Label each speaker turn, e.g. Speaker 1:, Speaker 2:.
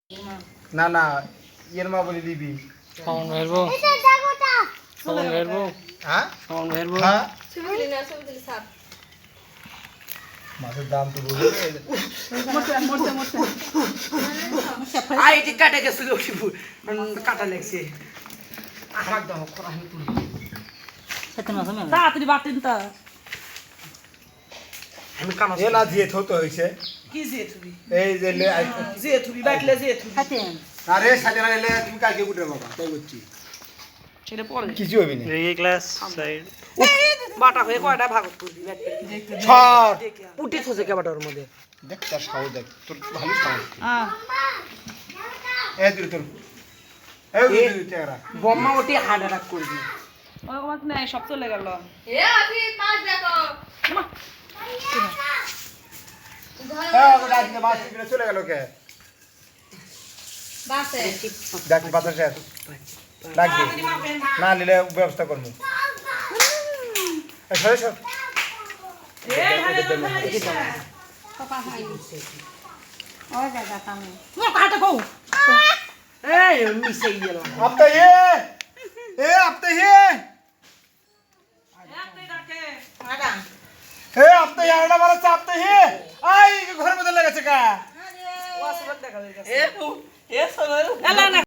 Speaker 1: না না ইয়ের মা বলে দিবি
Speaker 2: সাউন্ড বেরবো সাউন্ড বেরবো
Speaker 1: হ্যাঁ
Speaker 2: সাউন্ড বেরবো
Speaker 1: হ্যাঁ
Speaker 3: ছবি দিলি না ছবি দিলি সাপ
Speaker 1: মাছের দাম তো বুঝে
Speaker 4: আই এটি কাটে গেছিল কাটা লাগছে একদম খরা হয়ে তুলি তাড়াতাড়ি বাতিন তা আমি কানা
Speaker 1: এ না দিয়ে থতো হইছে
Speaker 4: কি যে তুই
Speaker 1: এই যে
Speaker 4: যে তুই বাইটলে যে তুই
Speaker 1: আরে সাজানা এলে তুমি কালকে উঠে বাবা তাই বলছি
Speaker 4: ছেড়ে পড়ে
Speaker 1: কিছু হবে না
Speaker 2: এই ক্লাস সাইড
Speaker 4: বাটা হয়ে কয়টা ভাগ করবি
Speaker 1: ছাড়
Speaker 4: উঠে থসে কে বাটার মধ্যে
Speaker 1: দেখ তার সাহস দেখ তোর ভালো সাহস
Speaker 4: হ্যাঁ
Speaker 1: এই দূর তোর এই দূর চেহারা
Speaker 4: বম্মা ওটি হার্ট অ্যাটাক করবি ওই কমাত নাই সব চলে গেল
Speaker 3: এ আফি মাছ দেখো
Speaker 1: হ্যাঁ ওটা আজকে মাছ কিনে চলে গেল কে
Speaker 3: বাসে
Speaker 1: দেখ বাজার শেষ ডাকবি না নিলে ব্যবস্থা করবো এই সরে সর
Speaker 4: এই মিশে গেল
Speaker 1: अब तो ये अब तो ये अब तो यार ना वाला अब तो ये आई घर में लगा चका
Speaker 4: এ সব